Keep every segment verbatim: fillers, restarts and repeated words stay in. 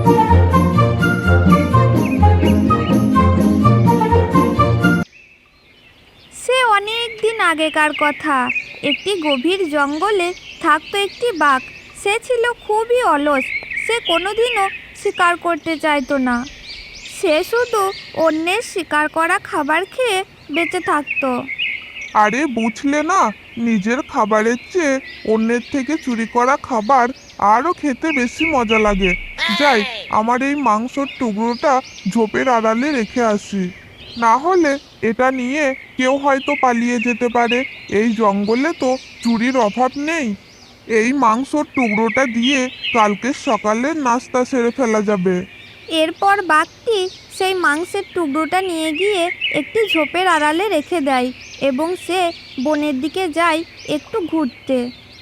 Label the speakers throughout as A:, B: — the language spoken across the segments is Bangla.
A: সে অনেক দিন আগেকার কথা। একটি গভীর জঙ্গলে থাকতো একটি বাঘ। সে ছিল খুবই অলস। সে কোনোদিনও শিকার করতে চাইতো না। সে শুধু অন্যের শিকার করা খাবার খেয়ে বেঁচে থাকতো।
B: আরে বুঝলে না, নিজের খাবারের চেয়ে অন্যের থেকে চুরি করা খাবার আরও খেতে বেশি মজা লাগে। যাই, আমার এই মাংসর টুকরোটা ঝোপের আড়ালে রেখে আসি, না হলে এটা নিয়ে কেউ হয়তো পালিয়ে যেতে পারে। এই জঙ্গলে তো চুরির অভাব নেই। এই মাংসর টুকরোটা দিয়ে কালকে সকালে নাস্তা সেরে ফেলা যাবে।
A: এরপর বাঘটি সেই মাংসের টুকরোটা নিয়ে গিয়ে একটি ঝোপের আড়ালে রেখে দেয় এবং সে বনের দিকে যায় একটু ঘুরতে।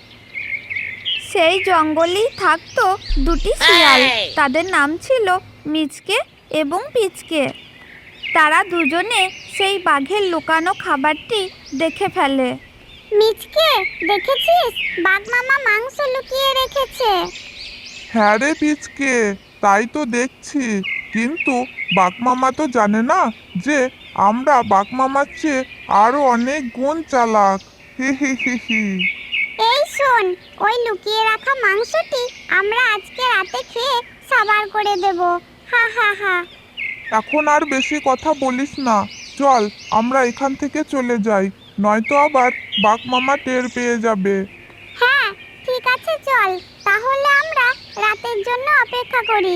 A: সেই জঙ্গলেই থাকতো দুটি শিয়াল। তাদের নাম ছিল মিচকে এবং পিচকে। তারা দুজনে সেই বাঘের লুকানো খাবারটি দেখে ফেলে।
C: মিচকে, দেখেছিস? বাঘ মামা মাংস লুকিয়ে রেখেছে।
B: হ্যাঁ রে পিচকে, তাই তো দেখছি। কিন্তু বাঘমামা তো জানে না যে আমরা বাঘমামার চেয়ে আরো অনেক গুণ চালাক। হি হি হি হি।
C: এই শোন, ওই লুকিয়ে রাখা মাংসটি আমরা আজকে রাতে খেয়ে সাবার করে দেব। হা হা হা।
B: এখন আর বেশি কথা বলিস না, চল আমরা এখান থেকে চলে যাই, নয়তো আবার বাঘমামা টের পেয়ে যাবে।
C: হ্যাঁ, ঠিক আছে, চল তাহলে আমরা রাতের জন্য অপেক্ষা করি।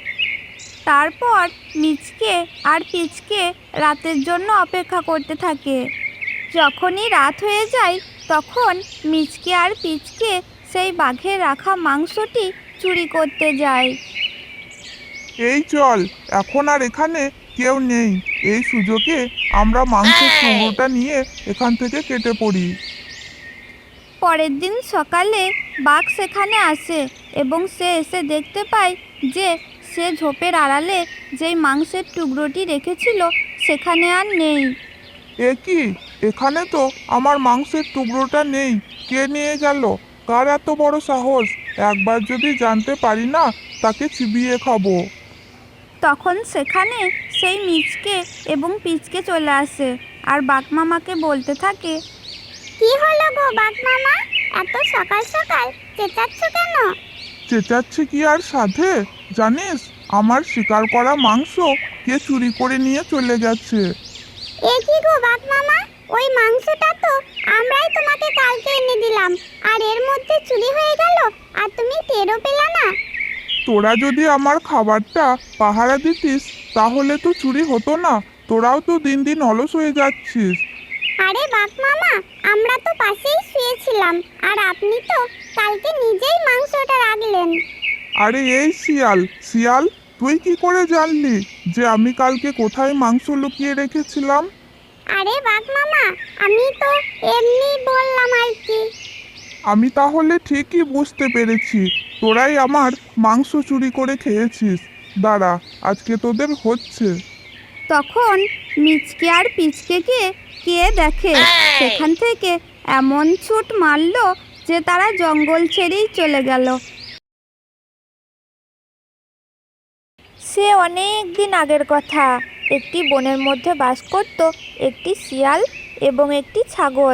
A: তারপর মিচকে আর পিচকে রাতের জন্য অপেক্ষা করতে থাকে। যখনই রাত হয়ে যায় তখন মিচকে আর পিচকে সেই বাঘের রাখা মাংসটি চুরি করতে যায়।
B: এই চল, এখন আর এখানে কেউ নেই, এই সুযোগে আমরা মাংসের টুকরোটা নিয়ে এখান থেকে কেটে পড়ি।
A: পরের দিন সকালে বাঘ সেখানে আসে এবং সে এসে দেখতে পায় যে সে ঝোপের আড়ালে যেই মাংসের টুকরোটি রেখেছিল সেখানে আর নেই।
B: এ কি, এখানে তো আমার মাংসের টুকরোটা নেই, কে নিয়ে গেল? কার এত বড় সাহস? একবার যদি জানতে পারি না, তাকে চিবিয়ে খাবো।
A: তখন সেখানে সেই মিচকে এবং পিচকে চলে আসে আর বাঘমামাকে বলতে থাকে,
C: কি হলো গো বাঘ মামা, এত সকাল সকাল চেঁচাচ্ছ কেন?
B: চেঁচাচ্ছি কি আর সাধে? জানিস, আমার শিকার করা মাংস কে চুরি করে নিয়ে চলে গেছে।
C: এ কি গো বাঘ মামা, ওই মাংসটা তো আমরাই তোমাকে কালকে এনে দিলাম, আর এর মধ্যে চুরি হয়ে গেল আর তুমি টেরও পেলে না?
B: তোরা যদি আমার খাবারটা পাহারা দিতিস তাহলে তো চুরি হতো না। তোরাও তো দিন দিন অলস হয়ে যাচ্ছিস।
C: আরে বাঘ মামা, আমরা তো পাশেই শুয়েছিলাম আর আপনি তো কালকে নিজেই মাংসটা রাখলেন।
B: আরে এই শিয়াল শিয়াল, তুই কি করে জানলি যে আমি কালকে কোথায় মাংস লুকিয়ে রেখেছিলাম?
C: আরে বাঘ মামা, আমি তো এমনি বললাম আর কি।
B: আমি তাহলে ঠিকই বুঝতে পেরেছি, তোরাই আমার মাংস চুরি করে খেয়েছিস। দাঁড়া, আজকে তোদের হচ্ছে।
A: তখন মিচকে আর পিচকেকে কে দেখে সেখান থেকে এমন ছুট মারল যে তারা জঙ্গল ছেড়েই চলে গেল। সে অনেক দিন আগের কথা। একটি বনের মধ্যে বাস করত একটি শিয়াল এবং একটি ছাগল।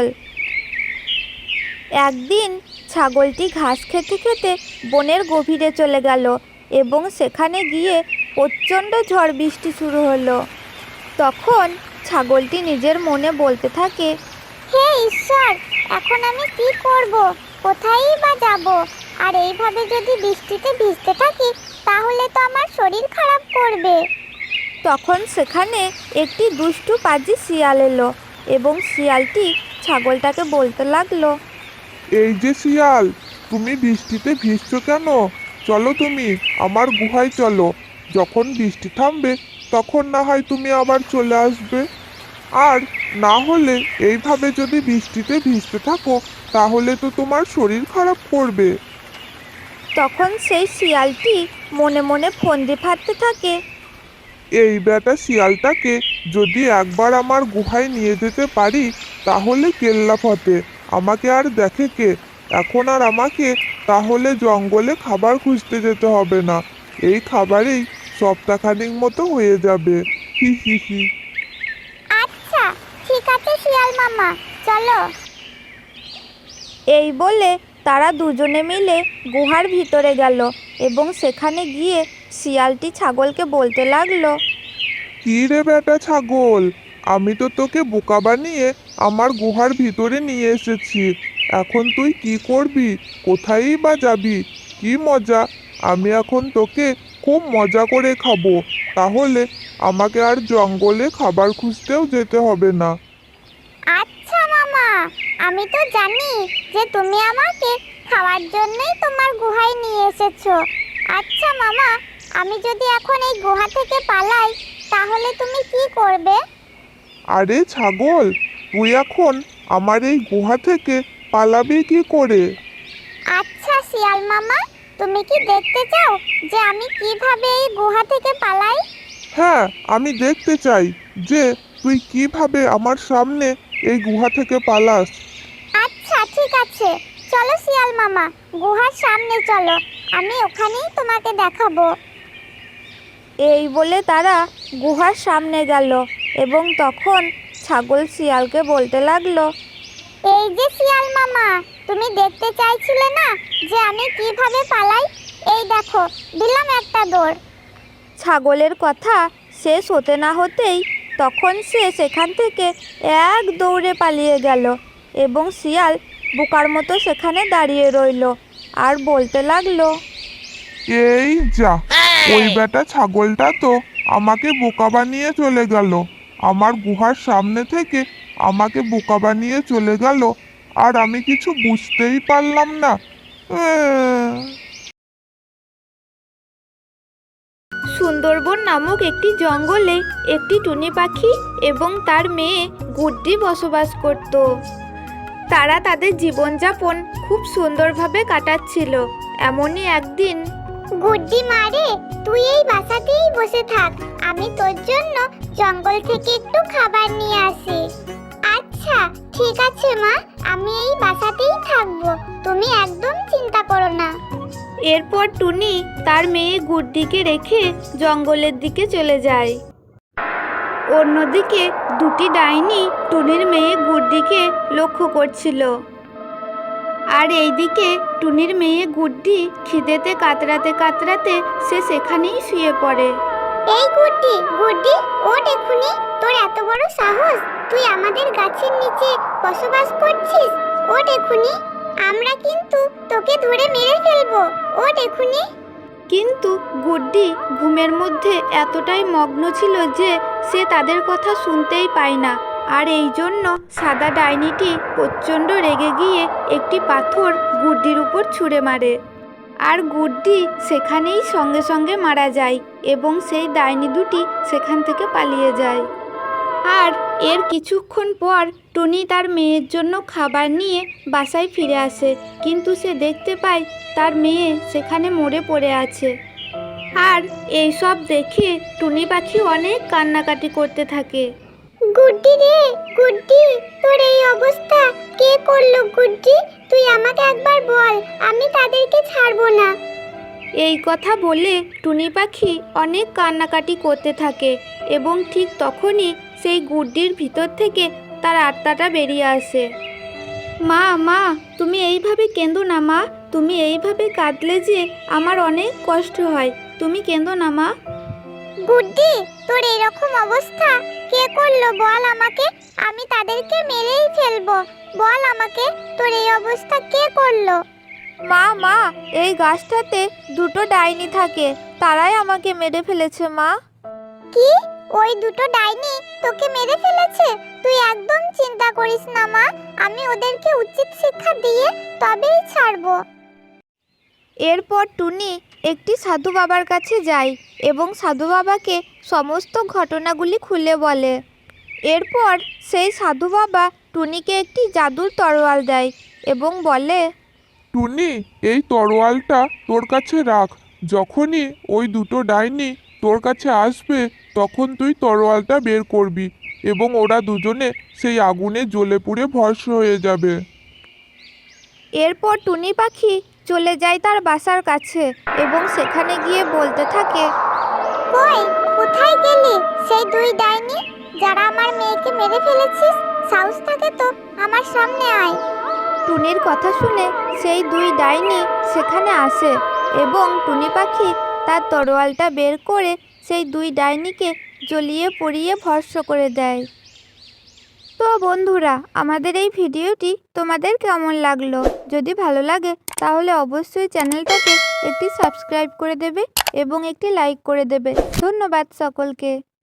A: একদিন ছাগলটি ঘাস খেতে খেতে বনের গভীরে চলে গেল এবং সেখানে গিয়ে প্রচণ্ড ঝড় বৃষ্টি শুরু হলো। তখন ছাগলটি নিজের মনে বলতে থাকে,
C: হে ঈশ্বর, এখন আমি কি করব, কোথায়ই বা যাব? আর এইভাবে যদি বৃষ্টিতে ভিজতে থাকি তাহলে তো আমার শরীর খারাপ করবে।
A: তখন সেখানে একটি দুষ্টু পাজি শিয়াল এলো এবং শিয়ালটি ছাগলটাকে বলতে লাগলো,
B: এই যে শিয়াল, তুমি বৃষ্টিতে ভিজছো কেন? চলো তুমি আমার গুহায় চলো, যখন বৃষ্টি থামবে তখন না হয় তুমি আবার চলে আসবে। আর না হলে এইভাবে যদি বৃষ্টিতে ভিজতে থাকো তাহলে তো তোমার শরীর খারাপ করবে।
A: তখন সেই শিয়ালটি মনে মনে ফন্দি ফাঁদতে থাকে,
B: এই বেটা শিয়ালটাকে যদি একবার আমার গুহায় নিয়ে যেতে পারি তাহলে কেল্লা ফতে, আমাকে আর দেখে কে? এখন আর আমাকে তাহলে জঙ্গলে খাবার খুঁজতে যেতে হবে না। এই খাবারেই সপ্তাহখানেক মতো হয়ে যাবে। হি হি হি।
C: আচ্ছা ঠিক আছে শিয়াল মামা, চলো।
A: এই বলে তারা দুজনে মিলে গুহার ভিতরে গেল এবং সেখানে গিয়ে শিয়ালটি ছাগলকে বলতে লাগলো,
B: কি রে বেটা ছাগল, আমি তো তোকে বোকা বানিয়ে আমার গুহার ভিতরে নিয়ে এসেছি। এখন তুই কি করবি, কোথায়ই বা যাবি? কি মজা, আমি এখন তোকে খুব মজা করে খাবো। তাহলে আমাকে আর জঙ্গলে খাবার খুঁজতেও যেতে হবে না।
C: আচ্ছা মামা, আমি তো জানি যে তুমি আমাকে খাওয়ার জন্যই তোমার গুহায় নিয়ে এসেছো। আচ্ছা মামা, আমি যদি এখন এই গুহা থেকে পালাই তাহলে তুমি কি করবে?
B: আরে ছাগল, তুই এখন আমার এই গুহা থেকে পালাবি কি করে?
C: আচ্ছা শিয়াল মামা, তুমি কি দেখতে চাও যে আমি কিভাবে এই গুহা থেকে পালাই?
B: হ্যাঁ, আমি দেখতে চাই যে তুই কিভাবে আমার সামনে এই গুহা থেকে পালাস।
C: আচ্ছা ঠিক আছে, চলো শিয়াল মামা, গুহার সামনে চলো, আমি ওখানেই তোমাকে দেখাবো।
A: এই বলে তারা গুহার সামনে গেল এবং তখন ছাগল শিয়ালকে বলতে লাগলো,
C: এই যে শিয়াল মামা, তুমি দেখতে চাইছিলে না যে আমি কিভাবে পালাই? এই দেখো, দিলাম একটা দৌড়।
A: ছাগলের কথা শেষ হতে না হতেই তখন সে সেখান থেকে এক দৌড়ে পালিয়ে গেল এবং শিয়াল বোকার মতো সেখানে দাঁড়িয়ে রইল আর বলতে লাগলো,
B: এই যা, ওই বেটা ছাগলটা তো আমাকে বোকা বানিয়ে চলে গেল। আমার গুহার সামনে থেকে আমাকে বোকা বানিয়ে চলে গেল, আর আমি কিছু বুঝতেই পারলাম না। আহ!
A: সুন্দরবন নামক একটি জঙ্গলে একটি টুনি পাখি এবং তার মেয়ে গুড্ডি বসবাস করত। তারা তাদের জীবনযাপন খুব সুন্দরভাবে কাটাচ্ছিল। এমনই একদিন,
C: গুড্ডি মারে, তুই এই বাসাতেই বসে থাক, আমি তোর জন্য জঙ্গল থেকে একটু খাবার নিয়ে আসি। আচ্ছা ঠিক আছে মা, আমি এই বাসাতেই থাকবো, তুমি একদম চিন্তা করো না।
A: এরপর টুনি তার মেয়ে গুড্ডিকে রেখে জঙ্গলের দিকে চলে যায়। অন্যদিকে দুটি ডাইনি টুনির মেয়ে গুড্ডিকে লক্ষ্য করছিল। আর এইদিকে টুনির মেয়ে গুড্ডি খিদেতে কাতরাতে কাতরাতে সে সেখানেই শুয়ে পড়ে।
C: এই গুড্ডি, গুড্ডি ওঠ এক্ষুনি, তোর এত বড় সাহস, তুই আমাদের গাছের নিচে বসবাস করছিস? ওঠ এক্ষুনি, আমরা কিন্তু তোকে ধরে মেরে ফেলবো, ওঠ এক্ষুনি।
A: কিন্তু গুড্ডি ঘুমের মধ্যে এতটাই মগ্ন ছিল যে সে তাদের কথা শুনতেই পায় না। আর এই জন্য সাদা ডাইনিটি প্রচণ্ড রেগে গিয়ে একটি পাথর গুড্ডির উপর ছুঁড়ে মারে। আর গুড্ডি সেখানেই সঙ্গে সঙ্গে মারা যায় এবং সেই ডাইনি দুটি সেখান থেকে পালিয়ে যায়। আর এর কিছুক্ষণ পর টুনি তার মেয়ের জন্য খাবার নিয়ে বাসায় ফিরে আসে, কিন্তু সে দেখতে পায় তার মেয়ে সেখানে মরে পড়ে আছে। আর এই সব দেখে টুনি পাখি অনেক কান্নাকাটি করতে থাকে।
C: গুড্ডি রে, গুড্ডি তোর এই অবস্থা কে করলো? গুড্ডি তুই আমাকে একবার বল, আমি তাদেরকে ছাড়বো না।
A: এই কথা বলে টুনি পাখি অনেক কান্নাকাটি করতে থাকে এবং ঠিক তখনই সেই গুড্ডির ভিতর থেকে তার আত্মাটা বেরিয়ে আসে। মা মা তুমি এইভাবে কেঁদো না মা, তুমি এইভাবে কাঁদলে যে আমার অনেক কষ্ট হয়, তুমি কেঁদো না মা।
C: গুড্ডি তোর এরকম অবস্থা কে করলো বল আমাকে, আমি তাদেরকে মেরেই ফেলবো, বল আমাকে তোর এই অবস্থা কে করলো?
A: মা মা এই গাছটাতে দুটো ডাইনি থাকে, তারাই আমাকে মেরে ফেলেছে মা।
C: কি, ওই দুটো ডাইনি তোকে মেরে ফেলেছে? তুই একদম চিন্তা করিস না মা, আমি ওদেরকে উচিত শিক্ষা দিয়ে তবেই ছাড়বো।
A: এরপর টুনি একটি সাধু বাবার কাছে যায় এবং সাধু বাবাকে সমস্ত ঘটনাগুলি খুলে বলে। এরপর সেই সাধু বাবা টুনিকে একটি জাদুর তরোয়াল দেয় এবং বলে,
B: টুনি, এই তরোয়ালটা তোর কাছে রাখ। যখনই ওই দুটো ডাইনি তোর কাছে আসবে তখন তুই তরোয়ালটা বের করবি এবং ওরা দুজনে সেই আগুনে জ্বলে পুড়ে ভস্ম হয়ে যাবে।
A: এরপর টুনি পাখি চলে যায় তার বাসার কাছে এবং সেখানে গিয়ে বলতে থাকে,
C: কই কোথায় গেলি সেই দুই ডাইনি যারা আমার মেয়েকে মেরে ফেলেছিস? সাহস থাকে তো আমার সামনে আয়।
A: টুনির কথা শুনে সেই দুই ডাইনি সেখানে আসে এবং টুনি পাখি তার তরোয়ালটা বের করে সেই দুই ডাইনিকে জ্বলিয়ে পুড়িয়ে ভস্ম করে দেয়। তো বন্ধুরা, আমাদের এই ভিডিওটি তোমাদের কেমন লাগলো? যদি ভালো লাগে তাহলে অবশ্যই চ্যানেলটাকে একটি সাবস্ক্রাইব করে দেবে এবং একটি লাইক করে দেবে। ধন্যবাদ সকলকে।